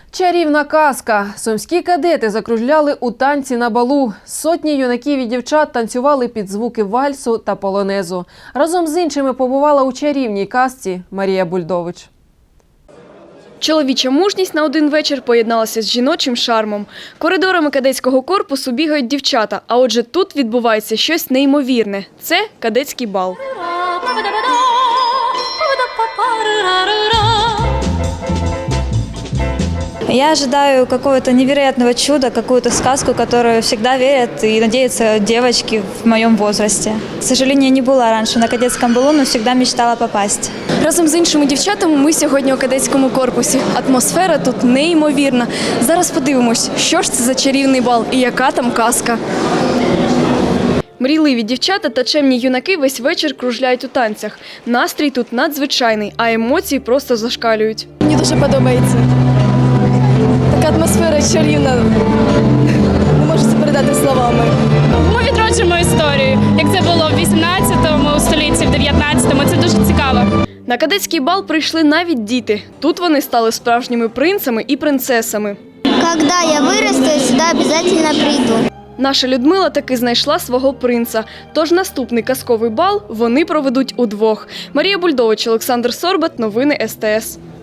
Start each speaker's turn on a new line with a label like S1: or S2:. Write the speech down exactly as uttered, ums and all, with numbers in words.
S1: Чарівна казка. Сумські кадети закружляли у танці на балу. Сотні юнаків і дівчат танцювали під звуки вальсу та полонезу. Разом з іншими побувала у чарівній казці Марія Бульдович.
S2: Чоловіча мужність на один вечір поєдналася з жіночим шармом. Коридорами кадетського корпусу бігають дівчата, а отже тут відбувається щось неймовірне – це кадетський бал.
S3: Я ожидаю какого-то невероятного чуда, какую-то сказку, в которую всегда верят и надеются девочки в моем возрасте. К сожалению, не была раньше на кадетском балу, но всегда мечтала попасть.
S2: Разом з іншими дівчатами ми сьогодні у кадетському корпусі. Атмосфера тут неймовірна. Зараз подивимось, що ж це за чарівний бал і яка там казка. Мрійливі дівчата та чемні юнаки весь вечір кружляють у танцях. Настрій тут надзвичайний, а емоції просто зашкалюють.
S4: Мені дуже подобається. Така атмосфера чарівна, не можу це передати словами.
S5: Ми відроджуємо історію, як це було в вісімнадцятому столітті, в дев'ятнадцятому. Це дуже цікаво.
S2: На кадетський бал прийшли навіть діти. Тут вони стали справжніми принцами і принцесами.
S6: Когда я вырасту, я сюда обязательно приду.
S2: Наша Людмила таки знайшла свого принца. Тож наступний казковий бал вони проведуть удвох. Марія Бульдович, Олександр Сорбат. Новини ес те ес.